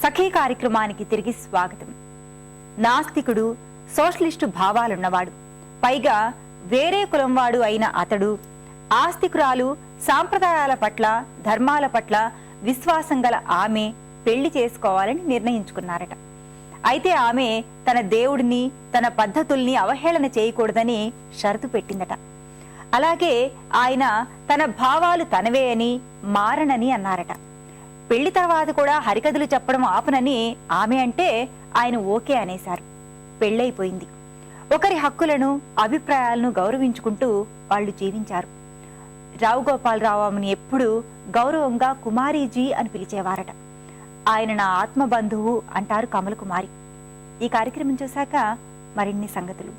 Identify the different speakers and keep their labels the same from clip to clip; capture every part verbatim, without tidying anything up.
Speaker 1: సఖీ కార్యక్రమానికి తిరిగి స్వాగతం. నాస్తికుడు, సోషలిస్టు భావాలున్నవాడు, పైగా వేరే కులం వాడు అయిన అతడు ఆస్తికురాలు, సాంప్రదాయాల పట్ల, ధర్మాల పట్ల విశ్వాసం గల ఆమె పెళ్లి చేసుకోవాలని నిర్ణయించుకున్నారట. అయితే ఆమె తన దేవుడిని, తన పద్ధతుల్ని అవహేళన చేయకూడదని షరతు పెట్టిందట. అలాగే ఆయన తన భావాలు తనవే అని, మారనని అన్నారట. పెళ్లి తర్వాత కూడా హరికథలు చెప్పడం ఆపనని ఆమె అంటే ఆయన ఓకే అనేశారు. పెళ్ళైపోయింది. ఒకరి హక్కులను, అభిప్రాయాలను గౌరవించుకుంటూ వాళ్ళు జీవించారు. రావు గోపాలరావు ఆమెను ఎప్పుడు గౌరవంగా కుమారీజీ అని పిలిచేవారట. ఆయన నా ఆత్మబంధువు అంటారు కమల కుమారి. ఈ కార్యక్రమం చూశాక మరిన్ని సంగతులు.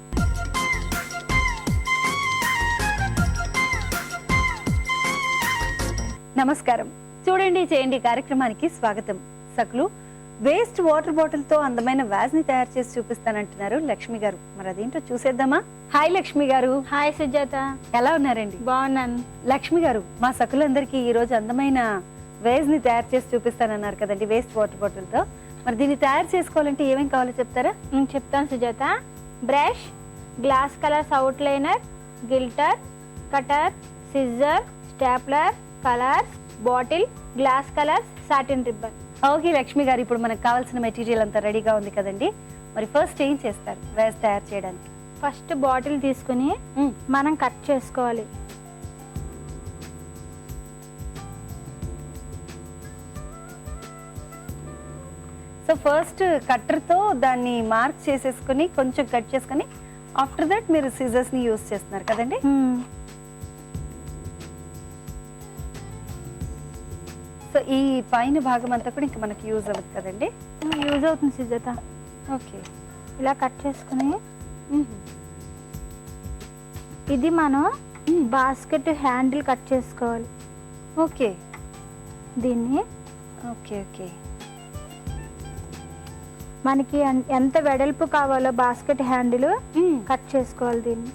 Speaker 1: నమస్కారం. చూడండి చేయండి కార్యక్రమానికి స్వాగతం. సకులు వేస్ట్ వాటర్ బాటిల్ తో అందమైన వ్యాజ్ ని తయారు చేసి చూపిస్తానంటున్నారు లక్ష్మి గారు. మరి అదేంటో చూసేద్దామా? హాయ్ లక్ష్మి గారు.
Speaker 2: హాయ్ సుజాత.
Speaker 1: ఎలా ఉన్నారండి?
Speaker 2: బాగున్నాను.
Speaker 1: లక్ష్మి గారు, మా సకులందరికీ ఈ రోజు అందమైన వేజ్ ని తయారు చేసి చూపిస్తానన్నారు కదండి, వేస్ట్ వాటర్ బాటిల్ తో. మరి దీన్ని తయారు చేసుకోవాలంటే ఏమేం కావాలో చెప్తారా?
Speaker 2: నేను చెప్తాను Sujatha. Brush, glass colours outliner, glitter, cutter, scissor, stapler, colours, bottle, glass colours, satin ribbon.
Speaker 1: Okay Lakshmi గారు, ఇప్పుడు మనకు కావాల్సిన మెటీరియల్ అంతా రెడీగా ఉంది కదండి. మరి ఫస్ట్ ఏం చేస్తారు వేజ్ తయారు చేయడానికి?
Speaker 2: ఫస్ట్ బాటిల్ తీసుకుని మనం కట్ చేసుకోవాలి.
Speaker 1: సో ఫస్ట్ కట్టర్ తో దాన్ని మార్క్ చేసేసుకుని కొంచెం కట్ చేసుకుని ఆఫ్టర్ దట్ మీరు సిజర్స్ ని యూజ్ చేస్తున్నారు కదండి. సో ఈ పైన భాగం అంతా కూడా ఇంకా మనకి యూజ్ అవుతుంది కదండి.
Speaker 2: యూజ్ అవుతుంది సుజాత.
Speaker 1: ఓకే,
Speaker 2: ఇలా కట్ చేసుకుని ఇది మనం బాస్కెట్ హ్యాండిల్ కట్ చేసుకోవాలి.
Speaker 1: ఓకే,
Speaker 2: దీన్ని
Speaker 1: ఓకే ఓకే
Speaker 2: మనకి ఎంత వెడల్పు కావాలో బాస్కెట్ హ్యాండిల్ కట్ చేసుకోవాలి. దీన్ని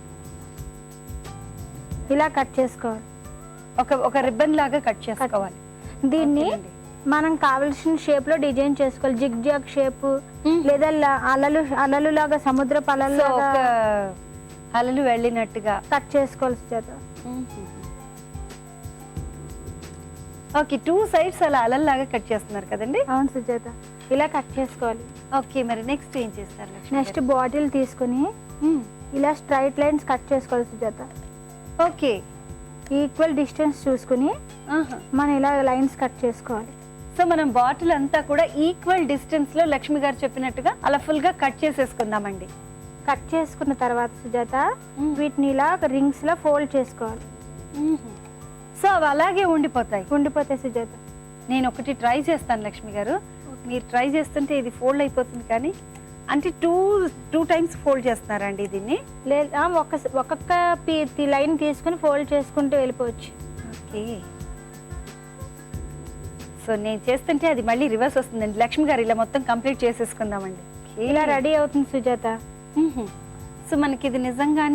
Speaker 2: ఇలా కట్ చేసుకోవాలి.
Speaker 1: ఒక ఒక రిబ్బన్ లాగా కట్ చేసుకోవాలి.
Speaker 2: దీన్ని మనం కావలసిన షేప్ లో డిజైన్ చేసుకోవాలి. జిగ్ జాగ్ షేప్ లేదా అలలు అలలు లాగా సముద్రపు అలలు
Speaker 1: అలలు వెళ్ళినట్టుగా
Speaker 2: కట్ చేసుకోవాలి సుజాత.
Speaker 1: ఓకే, టూ సైడ్స్ అలా అలల్లాగా కట్ చేస్తున్నారు కదండి.
Speaker 2: అవును సుజాత, ఇలా కట్ చేసుకోవాలి.
Speaker 1: ఓకే, మరి నెక్స్ట్ ఏం చేస్తారు?
Speaker 2: నెక్స్ట్ బాటిల్ తీసుకుని ఇలా స్ట్రైట్ లైన్స్ కట్ చేసుకోవాలి సుజాత.
Speaker 1: ఓకే,
Speaker 2: ఈక్వల్ డిస్టెన్స్ చూసుకుని మనం ఇలా లైన్స్ కట్ చేసుకోవాలి.
Speaker 1: సో మనం బాటిల్ అంతా కూడా ఈక్వల్ డిస్టెన్స్ లో లక్ష్మి గారు చెప్పినట్టుగా అలా ఫుల్ గా కట్ చేసేసుకుందామండి.
Speaker 2: కట్ చేసుకున్న తర్వాత సుజాత వీటిని ఇలా రింగ్స్ లా ఫోల్డ్ చేసుకోవాలి.
Speaker 1: సో అవి అలాగే ఉండిపోతాయి
Speaker 2: ఉండిపోతాయి సుజాత.
Speaker 1: నేను ఒకటి ట్రై చేస్తాను లక్ష్మి గారు. మీరు ట్రై చేస్తుంటే ఇది ఫోల్డ్ అయిపోతుంది, కానీ అంటే టూ టూ టైమ్స్ ఫోల్డ్ చేస్తున్నారండి దీన్ని?
Speaker 2: లేదా ఒక ఒక్కొక్క లైన్ తీసుకుని ఫోల్డ్ చేసుకుంటూ వెళ్ళిపోవచ్చు.
Speaker 1: ఓకే, సో నేను చేస్తుంటే అది మళ్ళీ రివర్స్ వస్తుందండి. లక్ష్మి గారు ఇలా మొత్తం కంప్లీట్ చేసేసుకుందామండి.
Speaker 2: ఇలా రెడీ అవుతుంది సుజాత.
Speaker 1: సో మనకి ఇది నిజంగానే